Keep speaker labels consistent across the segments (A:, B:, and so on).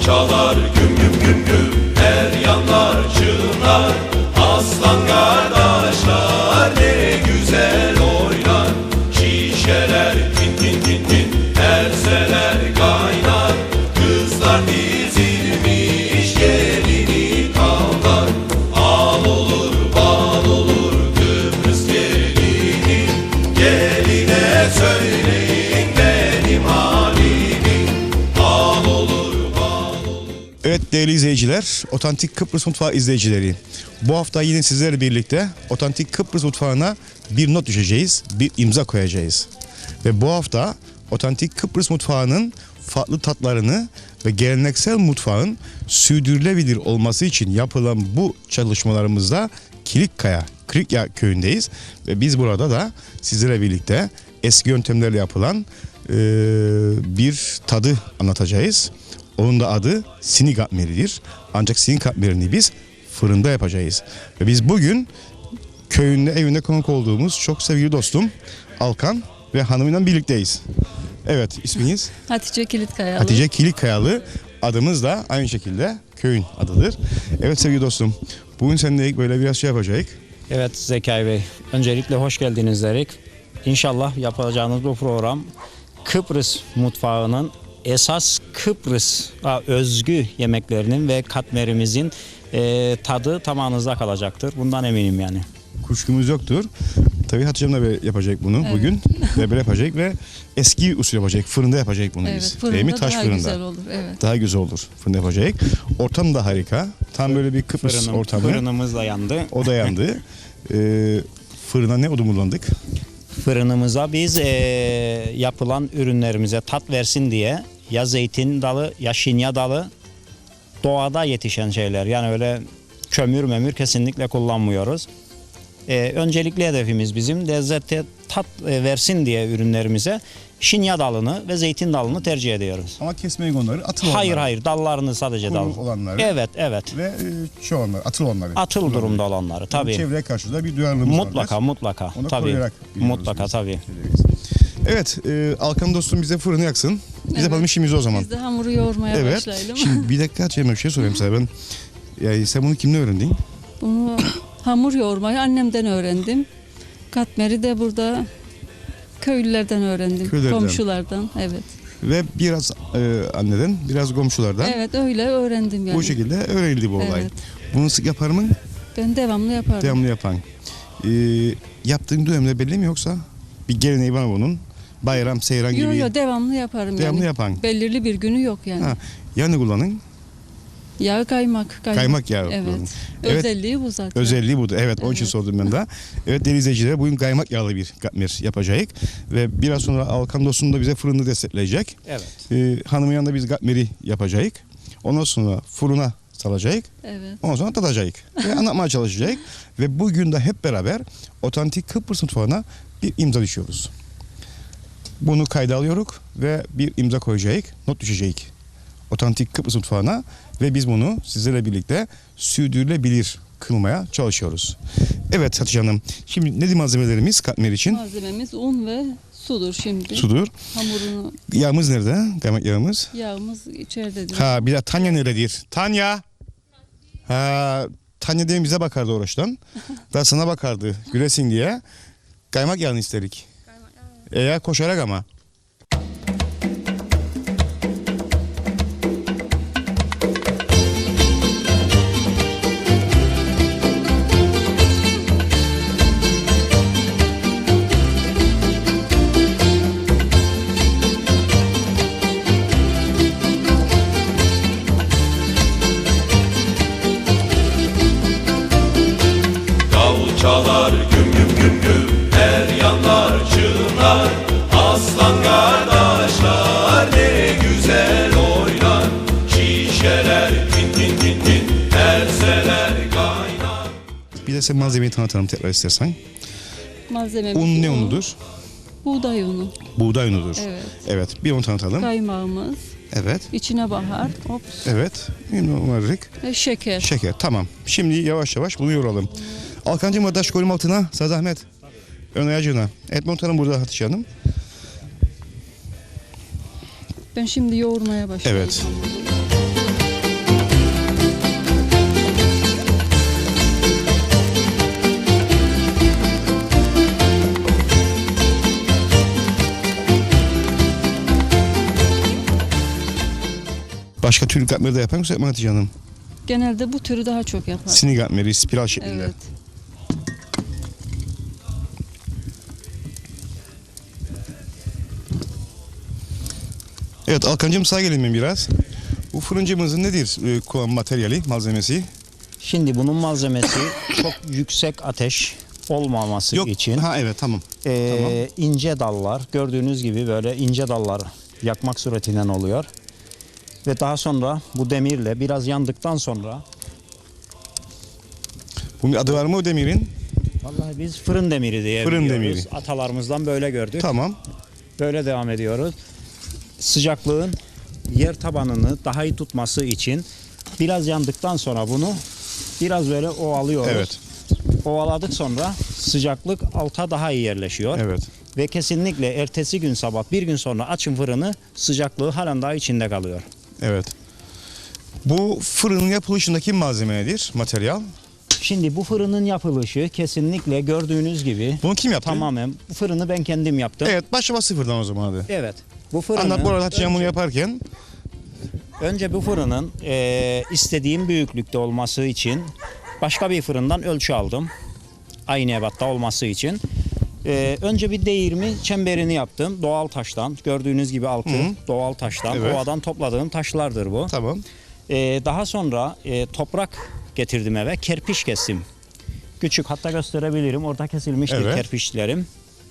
A: çalar güm güm güm güm, her yanlar çığlar. Aslan kardeşler ne güzel oynar. Şişeler tin tin tin tin, erseler kaynar. Kızlar dizilmiş gelini kavlar. Al olur bal olur Kıbrıs gelini. Geline söyleyin benim halimi. Al olur bal olur.
B: Evet değerli izleyiciler, Otantik Kıbrıs Mutfağı izleyicileri. Bu hafta yine sizlerle birlikte Otantik Kıbrıs Mutfağı'na bir not düşeceğiz, bir imza koyacağız. Ve bu hafta Otantik Kıbrıs Mutfağı'nın farklı tatlarını ve geleneksel mutfağın sürdürülebilir olması için yapılan bu çalışmalarımızda Kilikkaya, Krikya köyündeyiz. Ve biz burada da sizlerle birlikte eski yöntemlerle yapılan bir tadı anlatacağız. Onun da adı sinik katmeridir. Ancak sinik katmerini biz fırında yapacağız. Ve biz bugün köyünde, evinde konuk olduğumuz çok sevgili dostum Alkan ve hanımıyla birlikteyiz. Evet, isminiz?
C: Hatice Kilitkayalı.
B: Hatice Kilitkayalı. Adımız da aynı şekilde köyün adıdır. Evet sevgili dostum, bugün seninle böyle biraz şey yapacağız.
D: Evet Zekai Bey, öncelikle hoş geldiniz dedik. İnşallah yapacağınız bu program Kıbrıs mutfağının esas Kıbrıs'a özgü yemeklerinin ve katmerimizin tadı tamamınızda kalacaktır. Bundan eminim yani.
B: Kuşkumuz yoktur. Tabii Hatice'm de böyle yapacak bunu
C: Evet.
B: bugün. Ve böyle yapacak ve eski usul yapacak. Fırında yapacak bunu
C: Evet,
B: biz.
C: fırında
B: Değil mi? Taş
C: daha
B: fırında.
C: güzel olur. Evet.
B: Daha güzel olur. Fırında yapacak. Ortam da harika. Tam böyle bir Kıbrıs ortamı.
D: Fırınımız da yandı.
B: O da yandı. Fırına ne odun kullandık?
D: Fırınımıza biz yapılan ürünlerimize tat versin diye ya zeytin dalı ya şinya dalı doğada yetişen şeyler. Yani öyle kömür kesinlikle kullanmıyoruz. Öncelikli hedefimiz bizim lezzete tat versin diye ürünlerimize şinya dalını ve zeytin dalını tercih ediyoruz.
B: Ama kesmeyin onları. Atıl
D: Hayır dallarını sadece
B: Kuru
D: dal.
B: olanları.
D: Evet.
B: Ve şu olanları, atıl olanları.
D: Atıl durumda olanları tabii.
B: Çevreye karşı da bir duyarlılığımız var.
D: Mutlaka
B: Onu
D: tabii.
B: koruyarak biliyoruz
D: Mutlaka
B: biz.
D: tabii.
B: Evet, Alkan dostum bize fırını yaksın. Biz
C: Evet.
B: yapalım işimizi o zaman.
C: Biz de hamuru yoğurmaya
B: Evet.
C: başlayalım.
B: Şimdi bir dakika Hatice'm bir şey sorayım sana ben. Yani sen bunu kimden öğrendin?
C: Bunu hamur yoğurmayı annemden öğrendim. Katmeri de burada köylülerden öğrendim.
B: Köylerden.
C: Komşulardan. Evet.
B: Ve biraz anneden, biraz komşulardan.
C: Evet öyle öğrendim yani.
B: Bu şekilde öğrenildi bu olay.
C: Evet.
B: Bunu sık yapar mı?
C: Ben devamlı yapardım.
B: Devamlı yapan. Yaptığın dönemde belli mi yoksa? Bir geleneği var mı bunun? Bayram, seyran gibi.
C: Yok devamlı yaparım
B: Devamlı
C: yani.
B: yapan.
C: Belirli bir günü yok yani.
B: Ha, yani kullanın.
C: Yağ kaymak.
B: Kaymak yağı
C: Evet.
B: kullanın. Evet.
C: Özelliği bu zaten.
B: Özelliği budur. Evet, onun için
C: Evet.
B: sordum ben de. Evet değerli izleyiciler, bugün kaymak yağlı bir katmer yapacağız. Ve biraz sonra Alkan dostum da bize fırını destekleyecek.
D: Evet.
B: Hanımın yanında biz katmeri yapacağız. Ondan sonra fırına salacağız.
C: Evet.
B: Ondan sonra tadacağız. Ve anlatmaya çalışacağız. Ve bugün de hep beraber Otantik Kıbrıs Mutfağı'na bir imza düşüyoruz. Bunu kayda alıyoruz ve bir imza koyacağız, not düşeceğiz. Otantik Kıbrıs Mutfağı'na ve biz bunu sizlerle birlikte sürdürülebilir kılmaya çalışıyoruz. Evet Hatice Hanım, şimdi nedir malzemelerimiz katmer için?
C: Malzememiz un ve sudur şimdi.
B: Sudur.
C: Hamurunu,
B: Yağımız nerede? Kaymak yağımız.
C: yağımız içeridedir.
B: Ha bir de Tanya nerededir? Tanya! Ha Tanya demin bize bakardı oraçtan. Da sana bakardı gülesin diye. Kaymak yağını isterik. Eğer koşarak ama.
A: Davul çalar güm güm güm güm, her yanlar çığlar. Aslan kardeşler ne güzel oynar. Şişeler tin tin tin tin, erseler kaynar.
B: Bir de sen malzemeyi tanıtalım tekrar istersen.
C: Malzememiz
B: Un ne unudur?
C: Buğday unu.
B: Buğday unudur.
C: Evet.
B: Evet, bir onu tanıtalım.
C: Kaymağımız.
B: Evet,
C: İçine bahar. Ops.
B: evet. Umarık.
C: Ve şeker.
B: Şeker, tamam. Şimdi yavaş yavaş bunu yoğuralım. Alkancığım adaş koyalım altına, sana zahmet. Ön ayacına. Et montanım burada Hatice Hanım.
C: Ben şimdi yoğurmaya başlayayım.
B: Evet.
C: hamuru.
B: Başka tür katmeri de yapar mısın Hatice Hanım?
C: Genelde bu türü daha çok yapar.
B: Sinik katmeri, spiral şeklinde.
C: Evet.
B: Evet Alkancığım sağ gelin mi biraz? Bu fırıncımızın nedir kullanım materyali, malzemesi?
D: Şimdi bunun malzemesi çok yüksek ateş olmaması için
B: Ha evet tamam.
D: ince dallar, gördüğünüz gibi böyle ince dallar yakmak suretinden oluyor. Ve daha sonra bu demirle biraz yandıktan sonra,
B: Bunun adı var mı o demirin?
D: vallahi biz fırın demiri diye
B: Fırın
D: biliyoruz.
B: demiri.
D: Atalarımızdan böyle gördük.
B: Tamam.
D: Böyle devam ediyoruz. Sıcaklığın yer tabanını daha iyi tutması için biraz yandıktan sonra bunu biraz böyle ovalıyoruz.
B: Evet.
D: Ovaladık sonra sıcaklık alta daha iyi yerleşiyor.
B: Evet.
D: Ve kesinlikle ertesi gün sabah bir gün sonra açın fırını, sıcaklığı halen daha içinde kalıyor.
B: Evet. Bu fırının yapılışındaki malzeme nedir? Materyal.
D: Şimdi bu fırının yapılışı kesinlikle gördüğünüz gibi
B: Bunu kim yaptı?
D: tamamen bu fırını ben kendim yaptım.
B: Evet başlama sıfırdan o zaman hadi.
D: Evet. Bu fırını
B: Anlat bu arada Hatice Hanım bunu yaparken.
D: önce bu fırının istediğim büyüklükte olması için başka bir fırından ölçü aldım. Aynı ebatta olması için. Önce bir değirmi çemberini yaptım. Doğal taştan. Gördüğünüz gibi altı doğal taştan.
B: Evet.
D: Ovadan topladığım taşlardır bu.
B: Tamam.
D: Daha sonra toprak getirdim eve. Kerpiç kestim. Küçük, hatta gösterebilirim. Orada kesilmiştir
B: Evet.
D: kerpiçlerim.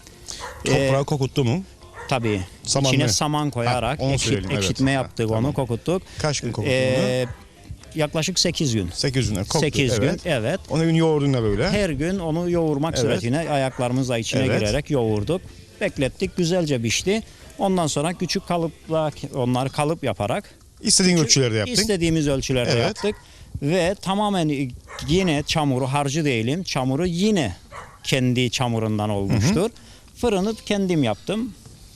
B: Toprağı kokuttu mu?
D: Tabii.
B: Saman
D: İçine
B: mı?
D: saman koyarak
B: Ha, onu söyleyelim, evet.
D: ekşitme yaptık,
B: Ha,
D: onu
B: tamam.
D: kokuttuk.
B: Kaç gün kokuttu bunu?
D: Yaklaşık 8 gün.
B: 8 gün koktu.
D: 8
B: evet.
D: gün, evet.
B: Onu gün yoğurdun da böyle.
D: Her gün onu yoğurmak
B: Evet.
D: suretiyle ayaklarımızla içine
B: Evet.
D: girerek yoğurduk. Beklettik, güzelce pişti. Ondan sonra küçük kalıpla onları kalıp yaparak
B: İstediğin ölçülerde yaptın.
D: istediğimiz ölçülerde
B: Evet.
D: yaptık. Ve tamamen yine çamuru, harcı değilim, çamuru yine kendi çamurundan olmuştur. Fırını kendim yaptım.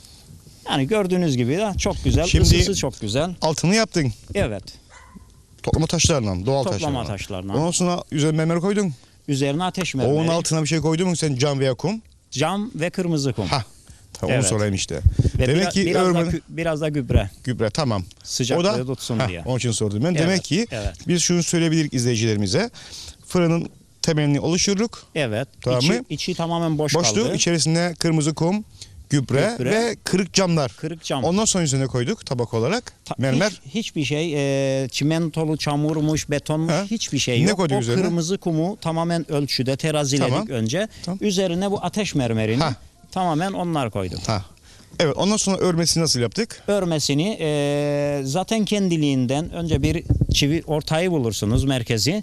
D: Yani gördüğünüz gibi de çok güzel,
B: Şimdi-
D: ısısı çok güzel.
B: Altını yaptın.
D: Evet,
B: Toplama taşlarla, doğal
D: toplama
B: taşlarla.
D: taşlarına.
B: Ondan sonra üzerine mermer koydun.
D: Üzerine ateş
B: Onun
D: mermeri,
B: altına bir şey koydun mu sen cam veya kum?
D: cam ve kırmızı kum.
B: Ha. Tamam
D: Evet.
B: onu sorayım işte.
D: Ve
B: Demek ki
D: biraz, da,
B: örme
D: biraz da gübre.
B: gübre tamam.
D: Sıcaklığı tutsun diye.
B: Onun için sordum ben.
D: Evet,
B: Demek ki
D: evet.
B: biz şunu söyleyebiliriz izleyicilerimize. Fırının temelini oluşturduk.
D: Evet.
B: Tamam mı?
D: içi tamamen boş
B: Boşluğu
D: kaldı.
B: içerisine kırmızı kum, gübre ve kırık camlar.
D: Kırık cam.
B: Ondan sonra üzerine koyduk tabak olarak. Mermer.
D: Hiçbir şey çimentolu, çamurmuş, betonmuş
B: Ha.
D: hiçbir şey
B: Ne
D: yok.
B: koyduk
D: O
B: üzerine?
D: kırmızı kumu tamamen ölçüde teraziledik
B: Tamam.
D: önce.
B: Tamam.
D: Üzerine bu ateş mermerini
B: Ha.
D: tamamen onlar koydum.
B: Ha. Evet ondan sonra örmesini nasıl yaptık?
D: Örmesini zaten kendiliğinden önce bir çivi ortayı bulursunuz, merkezi.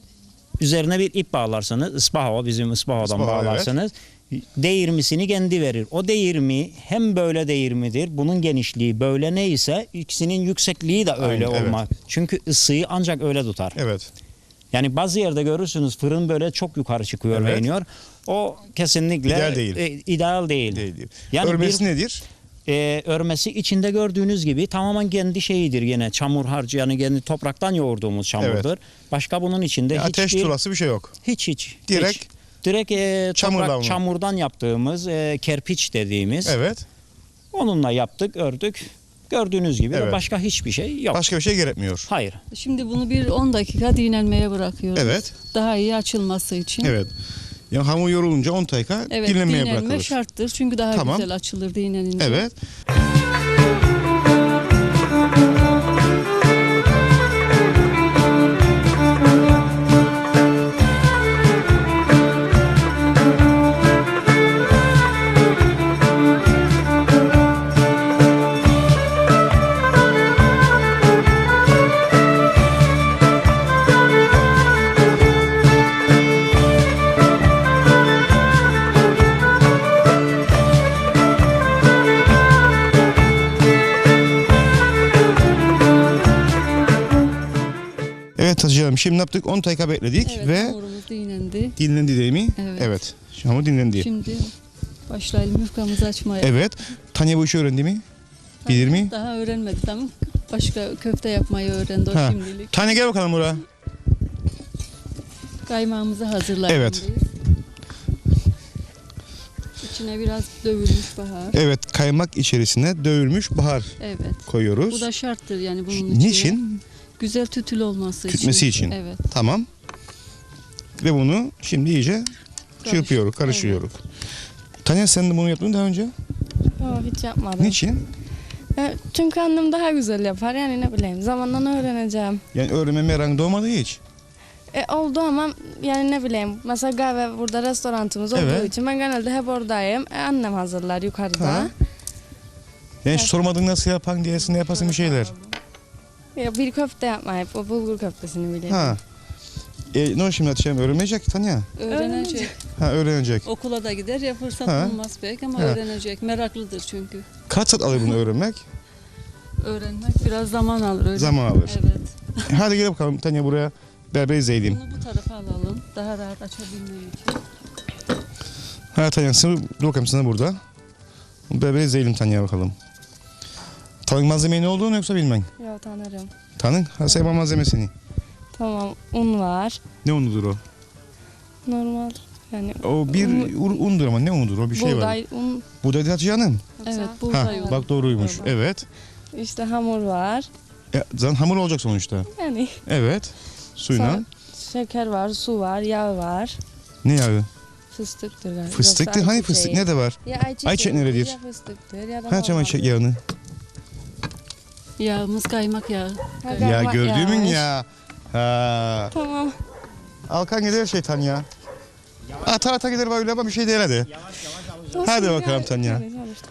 D: Üzerine bir ip bağlarsınız. Ispaho, bizim ıspahodan
B: Ispaho,
D: bağlarsınız. Değirmisini kendi verir. O değirmi hem böyle değirmidir. Bunun genişliği böyle neyse ikisinin yüksekliği de öyle
B: Aynen,
D: olmak. Çünkü ısıyı ancak öyle tutar.
B: Evet.
D: Yani bazı yerde görürsünüz fırın böyle çok yukarı çıkıyor ve
B: Evet.
D: iniyor. O kesinlikle
B: İdeal değil.
D: ideal değil.
B: Değil.
D: Yani
B: Örmesi
D: bir
B: nedir?
D: örmesi içinde gördüğünüz gibi tamamen kendi şeyidir, yine çamur harcı, yani kendi topraktan yoğurduğumuz çamurdur. Başka bunun içinde
B: Ateş turası bir şey yok.
D: hiç.
B: Direkt
D: Direkt
B: çamurdan mı?
D: çamurdan yaptığımız kerpiç dediğimiz.
B: Evet.
D: Onunla yaptık, ördük. Gördüğünüz gibi de
B: Evet.
D: başka hiçbir şey yok.
B: Başka bir şey gerekmiyor.
D: Hayır.
C: Şimdi bunu bir 10 dakika dinlenmeye bırakıyoruz.
B: Evet.
C: Daha iyi açılması için.
B: Evet. Yani hamur yorulunca 10 dakika
C: Evet,
B: dinlenmeye
C: dinlenme
B: bırakılır.
C: şarttır. Çünkü daha
B: Tamam.
C: güzel açılır dinlenince.
B: Evet. Evet Hatice Hanım şimdi ne yaptık? 10 dakika bekledik
C: Evet,
B: ve
C: hamurumuz dinlendi.
B: dinlendi değil mi?
C: Evet.
B: Evet. Şu hamur dinlendi.
C: Şimdi başlayalım yufkamızı açmaya.
B: Evet. Tanya bu işi öğrendi mi? Bilir mi?
C: Daha öğrenmedik ama başka köfte yapmayı öğrendi o
B: Ha.
C: şimdilik.
B: Tanya gel bakalım buraya.
C: Kaymağımızı hazırlayalım.
B: Evet.
C: İçine biraz dövülmüş bahar.
B: Evet, kaymak içerisine dövülmüş bahar
C: Evet.
B: koyuyoruz.
C: Bu da şarttır yani bunun içine.
B: Niçin?
C: Güzel tütül olması
B: Tütmesi için.
C: Evet.
B: Tamam. Ve bunu şimdi iyice çırpıyoruz, karıştırıyoruz. Tanya, sen de bunu yaptın daha önce.
E: Yok, hiç yapmadım.
B: Niçin?
E: Çünkü annem daha güzel yapar, yani ne bileyim, zamanla öğreneceğim.
B: Yani öğrenme merakın doğmadı hiç.
E: Oldu ama yani ne bileyim, mesela kahve burada restoranımız olduğu
B: Evet.
E: için ben genelde hep oradayım. Annem hazırlar yukarıda.
B: Ha. Yani hiç sormadın nasıl yapan diyesin, ne yapasın bir şeyler.
E: Ya bir köfte yapmayı, o bulgur köftesini biliyorum.
B: Ha. Ne o şimdi Hatice'm, öğrenmeyecek ki Tanya.
C: Öğrenecek.
B: Ha, öğrenecek.
C: Okula da gider ya, fırsat
B: Ha.
C: bulmaz belki ama
B: Ha.
C: öğrenecek. Meraklıdır çünkü.
B: Kaç saat alır bunu öğrenmek?
C: Öğrenmek biraz zaman alır. Öyle.
B: Zaman alır.
C: Evet.
B: Hadi gel bakalım Tanya, buraya beraber izleyelim.
C: Bunu bu tarafa alalım. Daha rahat açabilmem için.
B: Ha Tanya, sen dur bakalım, sana burada. Beraber izleyelim Tanya bakalım. Tanın malzemeyi ne olduğunu yoksa bilmen.
E: Yok, tanırım.
B: Tanın, ha sayma malzemesini.
E: Tamam, un var.
B: Ne unudur o?
E: Normal yani.
B: O bir undur ama ne unudur o, bir şey var.
E: Buğday, un.
B: Buğday değil Hatice Hanım.
C: Evet,
B: Ha,
C: buğday var.
B: bak doğruymuş.
E: Doğru.
B: Evet.
E: İşte hamur var.
B: Zaten hamur olacak sonuçta.
E: Yani
B: Evet. Suyla.
E: Sonra şeker var, su var, yağ var.
B: Ne yağı?
E: Fıstıktır galiba.
B: Fıstık değil. Hani fıstık ne de var?
E: Ya ayçiçeği,
B: Ayçiçeği neredir?
E: ya fıstıktır ya da
B: Ha çamaşır
E: normal.
B: yağını.
C: Yağımız kaymak yağı.
E: Ha,
B: Ya
E: kaymak
B: gördüğümün
E: yağmış.
B: ya. Ha.
E: Tamam.
B: Alkan gider şeytan ya. Ata ata gider böyle ama bir şey değil hadi. Hadi
E: Olsun,
B: bakalım Tanya.
E: yani sonuçta.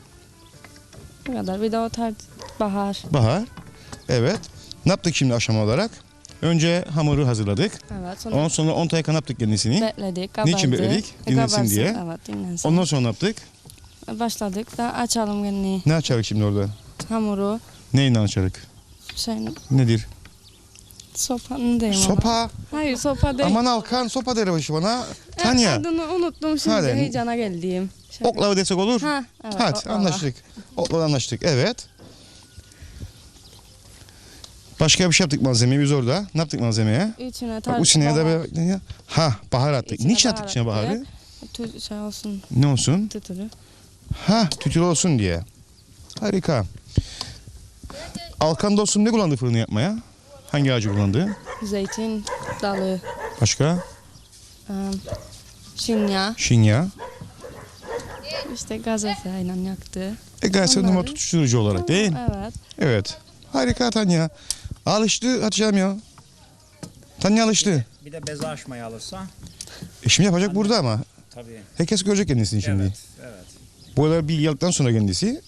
E: Bu kadar. Bir de o tarz bahar.
B: Bahar. Evet. Ne yaptık şimdi aşama olarak? Önce hamuru hazırladık.
E: Evet. Sonra
B: Ondan sonra 10 dakika ne yaptık kendisini?
E: bekledik, kabardı.
B: Niçin bekledik? Dinlensin
E: Kabarsın,
B: diye.
E: Evet, dinlensin.
B: Ondan sonra ne yaptık?
E: Başladık da açalım gene
B: Ne açarık şimdi orada?
E: hamuru.
B: Neyle açarık?
E: Şey,
B: Nedir?
E: sopanın değil mi?
B: Sopa.
E: Hayır, sopa değil.
B: Aman Alkan, sopa der başı bana. Tanya.
E: Adını unuttum şimdi,
B: Hadi.
E: heyecana geldiğim. Şey-
B: Oklava desek olur.
E: Ha, evet,
B: Hadi
E: oklava.
B: anlaştık. Oklava anlaştık. Evet. Başka bir şey yaptık malzemeyi biz orada. Ne yaptık malzemeye?
E: İçine
B: Bak
E: tarz
B: içine de
E: bahar.
B: böyle ha bahar attık.
E: İçine
B: Niçin attık içine
E: bahar
B: baharı?
E: attık. Şey olsun,
B: Ne olsun?
E: tütülü.
B: Ha tütül olsun diye. Harika. Alkan dostum ne kullandı fırını yapmaya? Hangi ağacı kullandı?
E: Zeytin dalı,
B: Başka?
E: şinya,
B: Şinya.
E: işte gazetayla yaktı.
B: Gayet
E: Onları-
B: numara tutuşturucu olarak değil.
E: Evet.
B: Evet. Harika Tanya. Alıştı Hatice'm ya. Tanya alıştı.
D: Bir de beze açmayı alırsa
B: Şimdi yapacak burada ama.
D: tabii.
B: Herkes görecek kendisini şimdi.
D: Evet.
B: Boyalar bir yıldıktan sonra kendisi.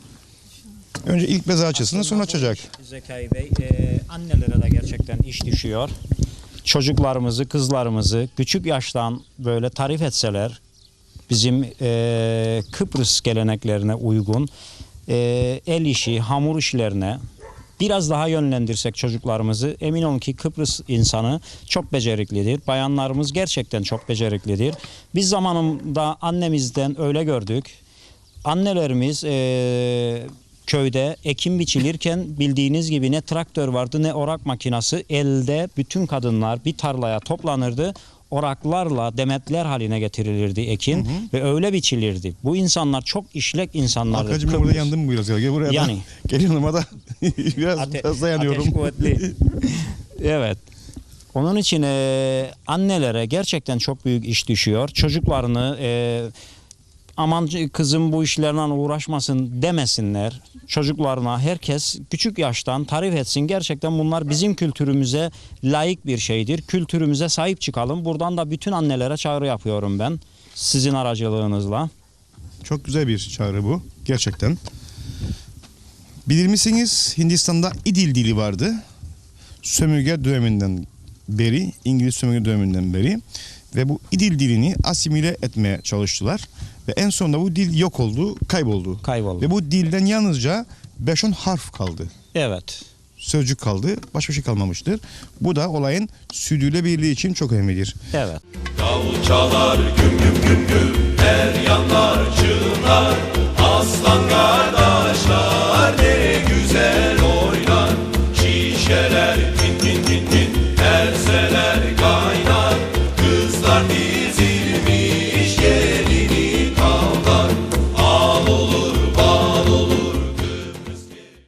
B: Önce ilk beze açısını sonra açacak.
D: Zekai Bey, annelere de gerçekten iş düşüyor. Çocuklarımızı, kızlarımızı küçük yaştan böyle tarif etseler, bizim Kıbrıs geleneklerine uygun el işi, hamur işlerine biraz daha yönlendirsek çocuklarımızı, emin olun ki Kıbrıs insanı çok beceriklidir. Bayanlarımız gerçekten çok beceriklidir. Biz zamanında annemizden öyle gördük. Annelerimiz köyde ekim biçilirken bildiğiniz gibi ne traktör vardı ne orak makinası. Elde bütün kadınlar bir tarlaya toplanırdı. Oraklarla demetler haline getirilirdi ekin ve öyle biçilirdi. Bu insanlar çok işlek insanlardı.
B: Arkacığım ben
D: Kıbrıs.
B: burada yandım mı biraz ya? Gel buraya da.
D: Yani.
B: Geliyorum ama da biraz fazla yanıyorum.
D: Ateş kuvvetli. Evet. Onun için annelere gerçekten çok büyük iş düşüyor. Çocuklarını aman kızım bu işlerle uğraşmasın demesinler. Çocuklarına herkes küçük yaştan tarif etsin. Gerçekten bunlar bizim kültürümüze layık bir şeydir. Kültürümüze sahip çıkalım. Buradan da bütün annelere çağrı yapıyorum ben. Sizin aracılığınızla.
B: Çok güzel bir çağrı bu. Gerçekten. Bilir misiniz Hindistan'da İdil dili vardı. Sömürge döneminden beri, İngiliz sömürge döneminden beri. Ve bu İdil dilini asimile etmeye çalıştılar. Ve en sonunda bu dil yok oldu, kayboldu.
D: Kayboldu.
B: Ve bu dilden yalnızca 5-10 harf kaldı.
D: Evet.
B: Sözcük kaldı, başka bir şey kalmamıştır. Bu da olayın sürdürülebilirliği için çok önemlidir.
D: Evet.
A: Davul çalar güm güm güm güm, her yanlar çığlar. Aslan kardeşler ne güzel oynar, şişeler